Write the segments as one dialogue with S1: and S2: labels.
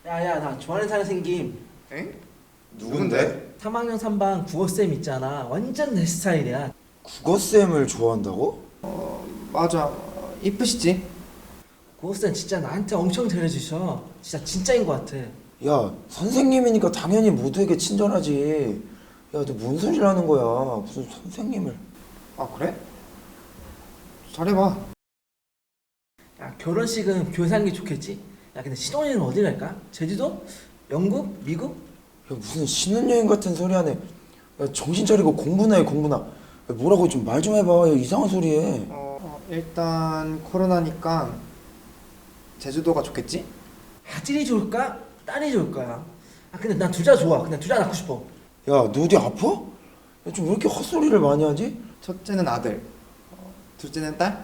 S1: 야야, 나 좋아하는 사람 생김.
S2: 엥? 누군데?
S1: 3학년 3반 국어쌤 있잖아. 완전 내 스타일이야.
S2: 국어쌤을 좋아한다고?
S3: 맞아. 이쁘시지?
S1: 국어쌤 진짜 나한테 엄청 잘해주셔. 진짜 진짜인 것 같아.
S2: 야, 선생님이니까 당연히 모두에게 친절하지. 야, 너 뭔 소리를 하는 거야? 무슨 선생님을?
S3: 아 그래? 잘해봐.
S1: 야, 결혼식은 교회에서 하는 게 좋겠지? 야, 근데 신혼여행은 어디 갈까? 제주도? 영국? 미국?
S2: 야, 무슨 신혼여행 같은 소리 하네. 야, 정신 차리고 공부나 해, 공부나. 야, 뭐라고 좀 말 좀 해봐. 야, 이상한 소리 해.
S3: 일단 코로나니까 제주도가 좋겠지?
S1: 아들이 좋을까? 딸이 좋을까? 아, 근데 난 둘 다 좋아. 그냥 둘 다 낳고 싶어.
S2: 야, 너 어디 아파? 야, 좀 왜 이렇게 헛소리를 많이 하지?
S3: 첫째는 아들, 둘째는 딸?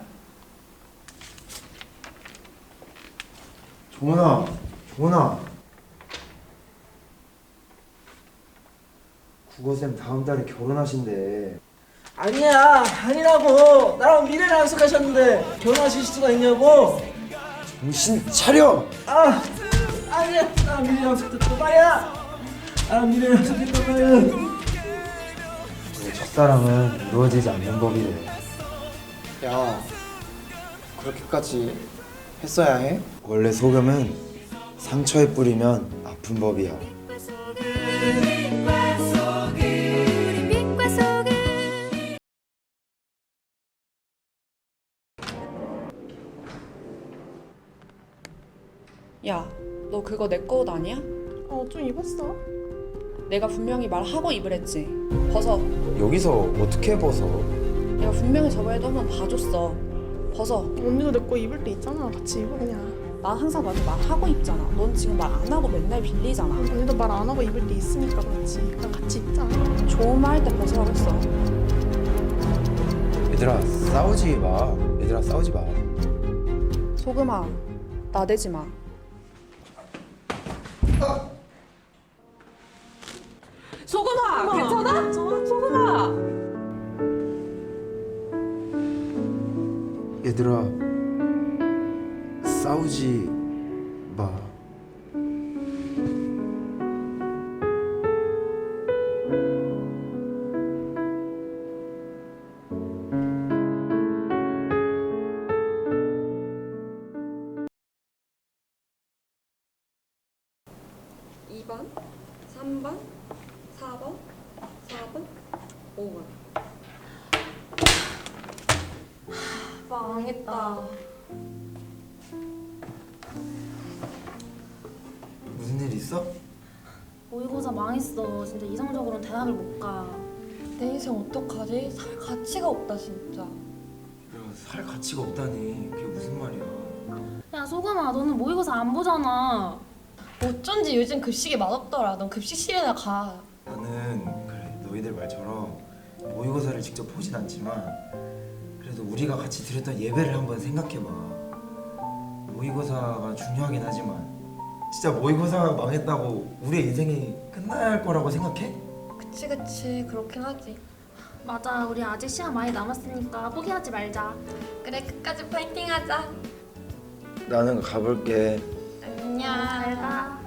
S2: 종원아, 종원아. 국어쌤 다음 달에 결혼하신대.
S1: 아니야, 아니라고. 나랑 미래를 약속하셨는데 결혼하실 수가 있냐고.
S2: 정신 차려!
S1: 아, 아니야. 나랑 미래 약속했단 말이야. 나랑 미래 약속했단 말이야.
S2: 첫사랑은 이루어지지 않는 법이래.
S3: 야, 그렇게까지 했어야 해?
S2: 원래 소금은 상처에 뿌리면 아픈 법이야.
S4: 야, 너 그거 내 거 옷 아니야?
S5: 좀 입었어.
S4: 내가 분명히 말하고 입으랬지. 벗어.
S2: 여기서 어떻게 벗어?
S4: 내가 분명히 저번에도 한번 봐줬어. 벗어.
S5: 언니도 내 거 입을 때 있잖아. 같이 입어 그냥.
S4: 난 항상 너한테 말하고 입잖아. 넌 지금 말 안 하고 맨날 빌리잖아.
S5: 언니도 말 안 하고 입을 때 있으니까 그렇지. 그냥 같이 입자.
S4: 좋은 말 할 때 벗으라고 했어.
S2: 얘들아 싸우지 마. 얘들아 싸우지 마.
S4: 소금아, 나대지 마. 소금아, 괜찮아? 소금아.
S2: 얘들아 싸우지 마.
S6: (2번) (3번) (4번) (4번) (5번) 망했다.
S2: 무슨 일 있어?
S7: 모의고사 망했어. 진짜 이성적으로는 대학을 못 가.
S6: 내 인생 어떡하지? 살 가치가 없다 진짜.
S2: 야, 살 가치가 없다니 그게 무슨 말이야?
S7: 야 소금아, 너는 모의고사 안 보잖아.
S6: 어쩐지 요즘 급식이 맛없더라. 넌 급식실에나 가.
S2: 나는 그래 너희들 말처럼 모의고사를 직접 보진 않지만 그래도 우리가 같이 드렸던 예배를 한번 생각해봐. 모의고사가 중요하긴 하지만 진짜 모의고사가 망했다고 우리의 인생이 끝나야 할 거라고 생각해?
S6: 그치 그렇긴 하지.
S7: 맞아, 우리 아직 시간 많이 남았으니까 포기하지 말자.
S6: 그래 끝까지 파이팅하자.
S2: 나는 가볼게.
S6: 안녕.
S7: 잘 가.